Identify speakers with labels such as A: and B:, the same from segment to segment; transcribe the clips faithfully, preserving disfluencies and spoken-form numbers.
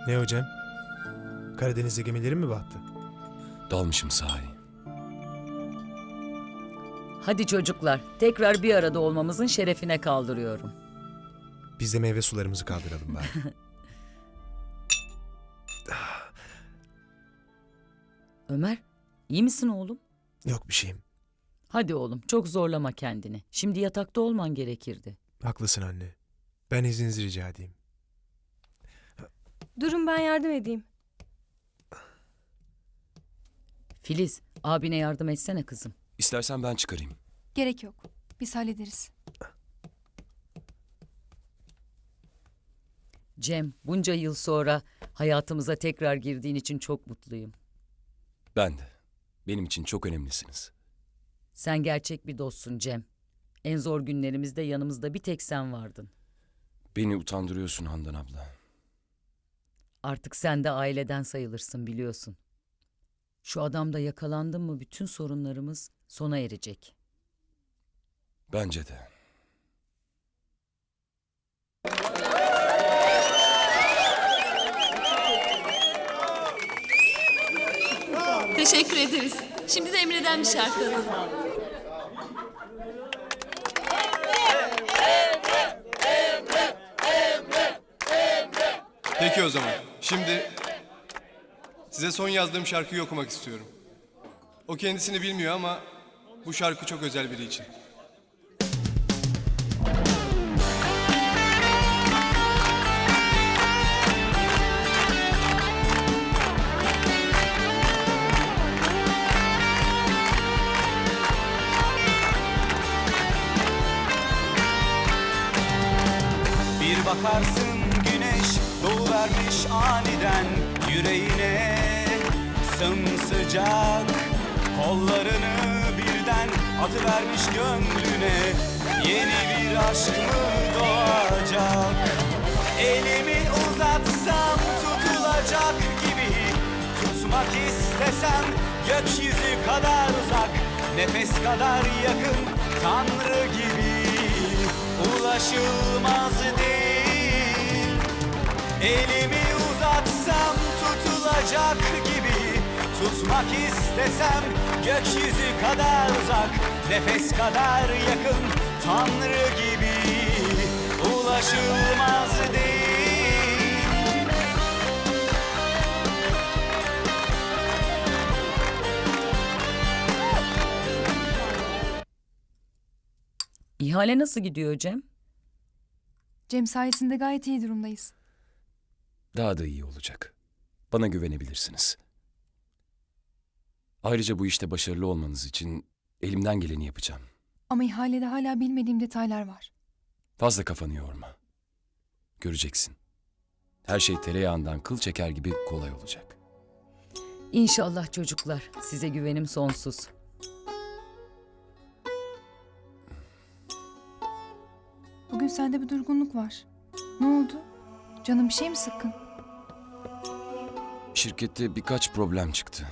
A: Ne hocam? Karadeniz'de gemilerin mi battı?
B: Dalmışım sahi.
C: Hadi çocuklar, tekrar bir arada olmamızın şerefine kaldırıyorum.
A: Biz de meyve sularımızı kaldıralım bari.
C: Ömer, iyi misin oğlum?
A: Yok bir şeyim.
C: Hadi oğlum, çok zorlama kendini. Şimdi yatakta olman gerekirdi.
A: Haklısın anne. Ben izninizi rica edeyim.
D: Durun ben yardım edeyim.
C: Filiz, abine yardım etsene kızım.
B: İstersen ben çıkarayım.
E: Gerek yok. Biz hallederiz.
C: Cem, bunca yıl sonra hayatımıza tekrar girdiğin için çok mutluyum.
B: Ben de. Benim için çok önemlisiniz.
C: Sen gerçek bir dostsun Cem. En zor günlerimizde yanımızda bir tek sen vardın.
B: Beni utandırıyorsun Handan abla.
C: Artık sen de aileden sayılırsın biliyorsun. Şu adamda yakalandın mı bütün sorunlarımız sona erecek.
B: Bence de.
F: Teşekkür ederiz. Şimdi de Emre'den bir şarkı alalım.
G: Peki o zaman. Şimdi size son yazdığım şarkıyı okumak istiyorum. O kendisini bilmiyor ama bu şarkı çok özel biri için.
H: Bir bakarsın güneş doğuvermiş aniden yüreğine sımsıcak kollarını birden atıvermiş gönlüne yeni bir aşk mı doğacak? Elimi uzatsam tutulacak gibi tutmak istesem gökyüzü kadar uzak nefes kadar yakın Tanrı gibi ulaşılmaz değil. Elimi uzatsam tutulacak gibi tutmak istesem gökyüzü kadar uzak nefes kadar yakın Tanrı gibi ulaşılmaz değil.
C: İhale nasıl gidiyor Cem?
E: Cem sayesinde gayet iyi durumdayız.
B: Daha da iyi olacak. Bana güvenebilirsiniz. Ayrıca bu işte başarılı olmanız için elimden geleni yapacağım.
E: Ama ihalede hala bilmediğim detaylar var.
B: Fazla kafanı yorma. Göreceksin. Her şey tereyağından kıl çeker gibi kolay olacak.
C: İnşallah çocuklar. Size güvenim sonsuz.
E: Bugün sende bir durgunluk var. Ne oldu? Canın bir şey mi sıkkın?
B: Şirkette birkaç problem çıktı.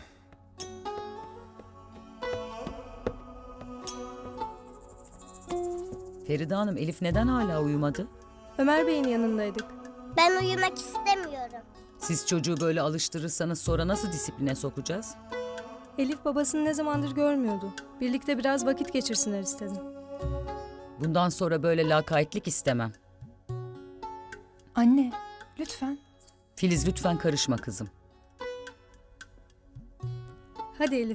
C: Feride Hanım, Elif neden hala uyumadı?
D: Ömer Bey'in yanındaydık.
I: Ben uyumak istemiyorum.
C: Siz çocuğu böyle alıştırırsanız sonra nasıl disipline sokacağız?
D: Elif babasını ne zamandır görmüyordu. Birlikte biraz vakit geçirsinler istedim.
C: Bundan sonra böyle lakaytlık istemem.
E: Anne, lütfen.
C: Filiz lütfen karışma kızım.
D: Hadi Elif.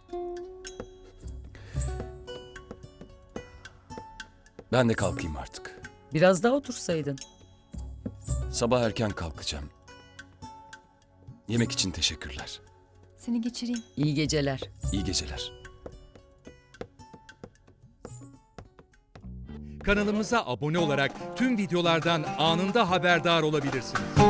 B: Ben de kalkayım artık.
C: Biraz daha otursaydın.
B: Sabah erken kalkacağım. Yemek için teşekkürler.
E: Seni geçireyim.
C: İyi geceler.
B: İyi geceler.
J: Kanalımıza abone olarak tüm videolardan anında haberdar olabilirsiniz.